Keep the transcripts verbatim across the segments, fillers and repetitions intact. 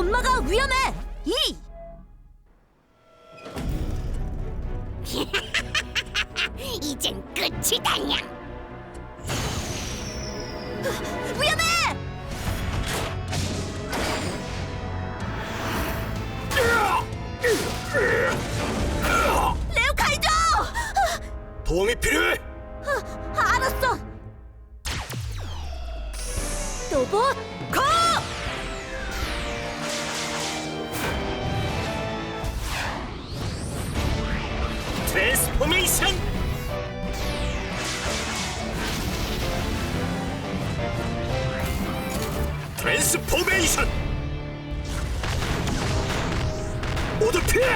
엄마가 위험해! 이! 이젠 끝이다냐. 위험해! 레오카이저! 도움이 필요해! 아, 알았어! 로봇 고! 트랜스포메이션! 트랜스포메이션! 모두 피해!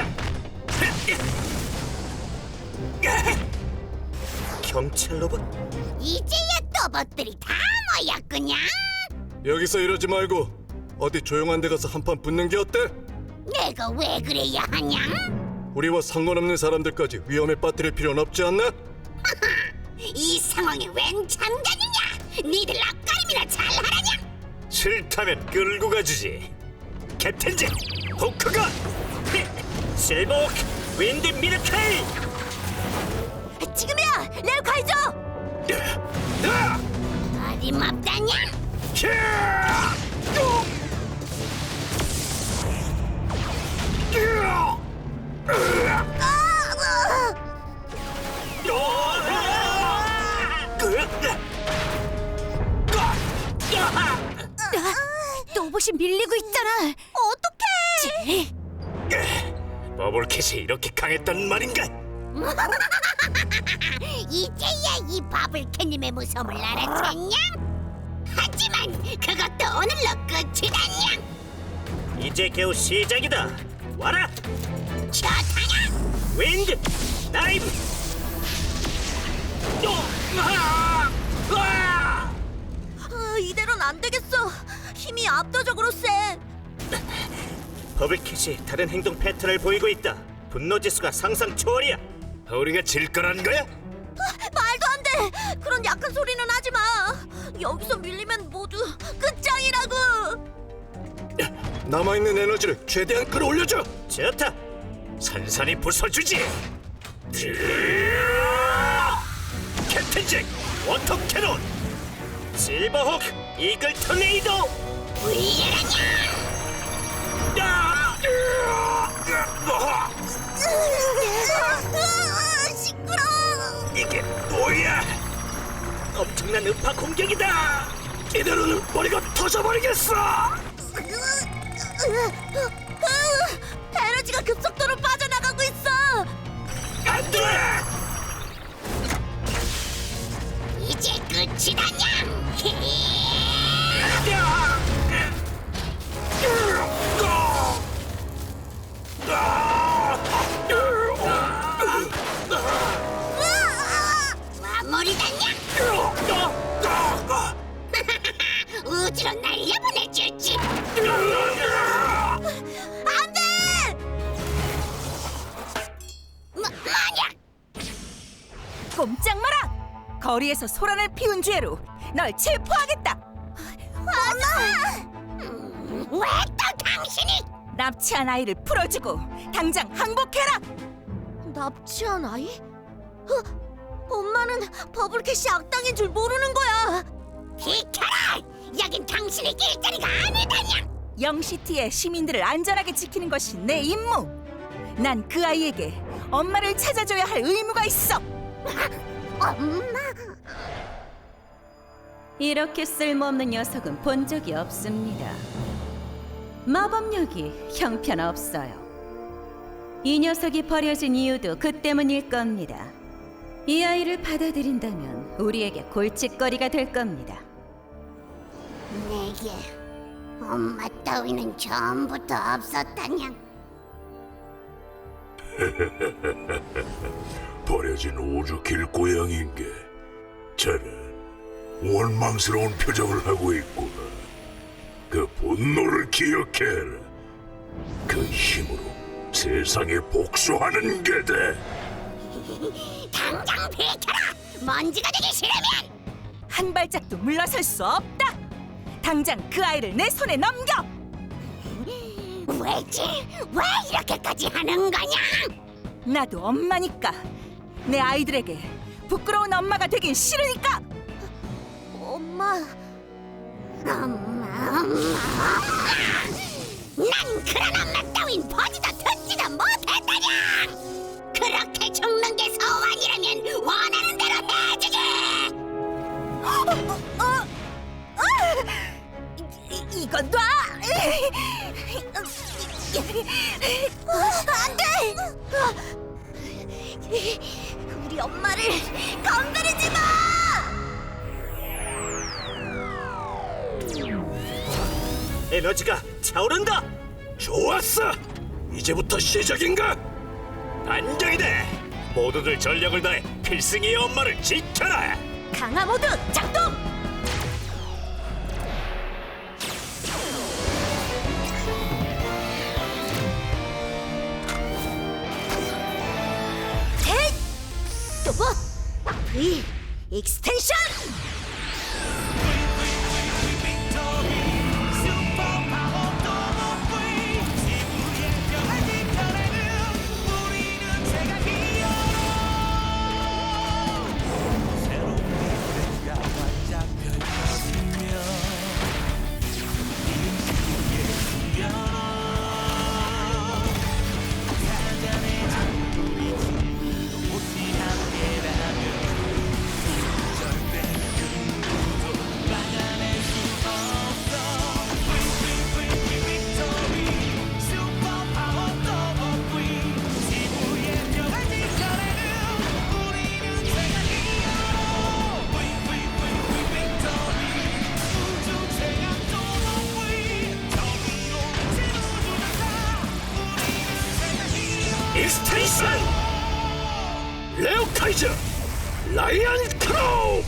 경찰 로봇? 이제야 로봇들이 다 모였구냐. 여기서 이러지 말고 어디 조용한 데 가서 한판 붙는 게 어때? 내가 왜 그래야 하냐? 우리와 상관없는 사람들까지 위험에 빠뜨릴 필요는 없지 않나? 이 상황에 웬 참견이냐? 니들 앞가림이나 잘하라냐? 싫다면 끌고 가주지. 캡틴 잭, 호크가, 실버워크, 윈드 미르케이. 지금이야! 레오카이저! 어림없다냐? 로봇이 밀리고 있잖아! 어떡해! 버블캣이 이렇게 강했단 말인가? 이제야 이 바블캣님의 무서움을 알아챘냐? 하지만 그것도 오늘로 끝이다냐? 이제 겨우 시작이다. 와라, 좋다냐? 윈드, 다이브. 아, 아, 이대로는 안 되겠어! 힘이 압도적으로 세! 버블캣이 다른 행동 패턴을 보이고 있다. 분노 지수가 상상 초월이야. 우리가 질 거란 거야? 말도 안 돼! 그런 약한 소리는 하지 마! 여기서 밀리면 모두 끝장이라고! 남아있는 에너지를 최대한 끌어올려줘. 좋다. 산산이 부숴주지. 캡틴 잭, 워터 캐논. 실버호크, 이글 토네이도. 위라냐? 시끄러워! 이게 뭐야? 엄청난 음파 공격이다. 이대로는 머리가 터져버리겠어. 에너지가 급속도로 빠져나가고 있어! 안 돼! 이제 끝이다냐? 마무리다냐? 우주로 날려보내줄지. 안 돼! 뭐, 뭐냐? 꼼짝 마라! 거리에서 소란을 피운 죄로 널 체포하겠다! 음, 왜 또 당신이? 납치한 아이를 풀어주고 당장 항복해라! 납치한 아이? 어? 엄마는 버블캣이 악당인 줄 모르는 거야! 비켜라! 여긴 당신의 길자리가 아니다냐! 영시티의 시민들을 안전하게 지키는 것이 내 임무! 난 그 아이에게 엄마를 찾아줘야 할 의무가 있어! 엄마! 이렇게 쓸모없는 녀석은 본 적이 없습니다. 마법력이 형편없어요. 이 녀석이 버려진 이유도 그 때문일 겁니다. 이 아이를 받아들인다면 우리에게 골칫거리가 될 겁니다. 내게 엄마 따위는 처음부터 없었다냐? 버려진 우주 길고양인 게 저는 원망스러운 표정을 하고 있구나. 그 분노를 기억해라. 그 힘으로 세상에 복수하는 게다. 당장 비켜라! 먼지가 되기 싫으면! 한 발짝도 물러설 수 없다! 당장 그 아이를 내 손에 넘겨! 왜지? 왜 이렇게까지 하는 거냐? 나도 엄마니까. 내 아이들에게 부끄러운 엄마가 되긴 싫으니까. 엄마, 엄마, 엄마. 난 그런 엄마 따윈 보지도 듣지도 못했다냐! 그렇게 죽는 게 소원이라면 원하는 대로 해주지! 어, 어, 어! 이, 이건 놔! 안 돼! 우리 엄마를 건드리지 마! 에너지가 차오른다. 좋았어. 이제부터 시작인가? 반격이다. 모두들 전력을 다해 필승이의 엄마를 지켜라. 강화 모드 작동! 또 뭐? V 익스텐션! 익스텐션! 레오카이저! 라이언 크로우!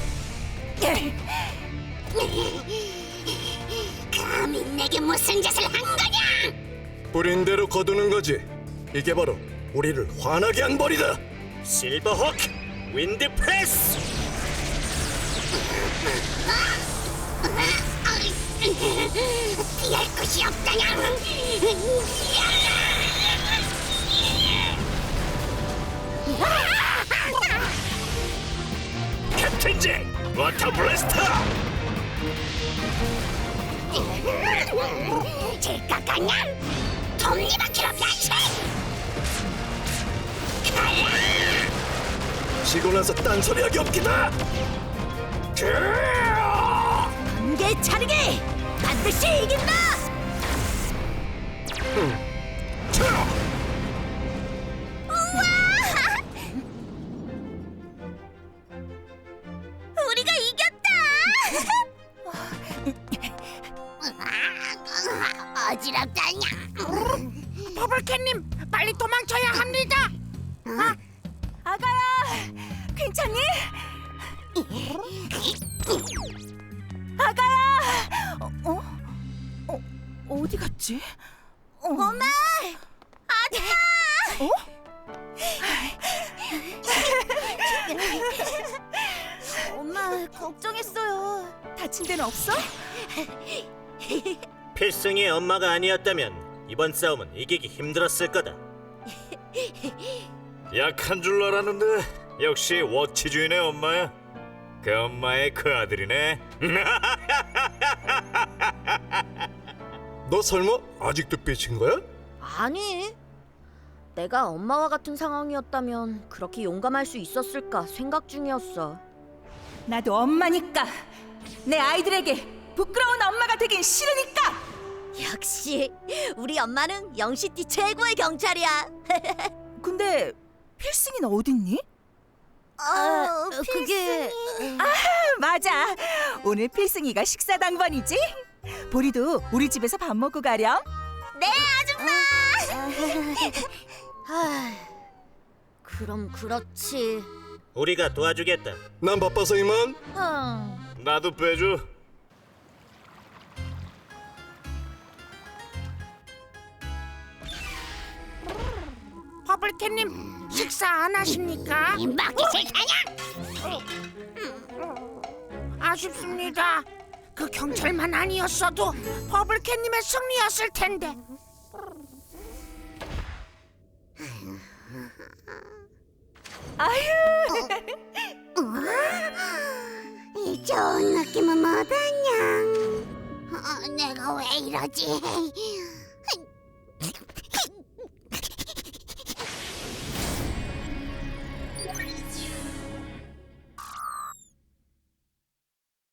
감히 내게 무슨 짓을 한 거냐? 뿌린 대로 거두는 거지. 이게 바로 우리를 화나게 한 벌이다. 실버호크 윈드 프레스. 피할 곳이 없다냐? 캡틴 잭 워터 블래스터. 질것 같냐? 톱니바퀴로 변신! 지고 나서 딴소리하기 없기다. 번개 차르기! 반드시 이긴다! 우리가 이겼다! 어지럽다냐? 버블캣님, 빨리 도망쳐야 합니다. 아가야! 괜찮니? 아가야! 어? 어? 어? 어디 갔지? 어. 엄마! 아들아! 어? 엄마, 걱정했어요. 다친 데는 없어? 필승이의 엄마가 아니었다면 이번 싸움은 이기기 힘들었을 거다. 약한 줄 알았는데 역시 워치 주인의 엄마야. 그 엄마의 그 아들이네. 너 설마 아직도 삐친 거야? 아니, 내가 엄마와 같은 상황이었다면 그렇게 용감할 수 있었을까 생각 중이었어. 나도 엄마니까. 내 아이들에게 부끄러운 엄마가 되긴 싫으니까. 역시 우리 엄마는 영시티 최고의 경찰이야. 근데 필승이는 어딨니? 아, 그게 맞아. 오늘 필승이가 식사 당번이지? 보리도 우리 집에서 밥 먹고 가렴. 네, 아줌마! 아, 그럼 그렇지. 우리가 도와주겠다. 난 바빠서 이만. 음. 나도 빼줘. 버블캣님, 식사 안 하십니까? 먹기 싫다냐? 아쉽습니다. 그 경찰만 아니었어도 버블캣님의 승리였을 텐데. 이 좋은 느낌은 뭐더냐? 어, 내가 왜 이러지?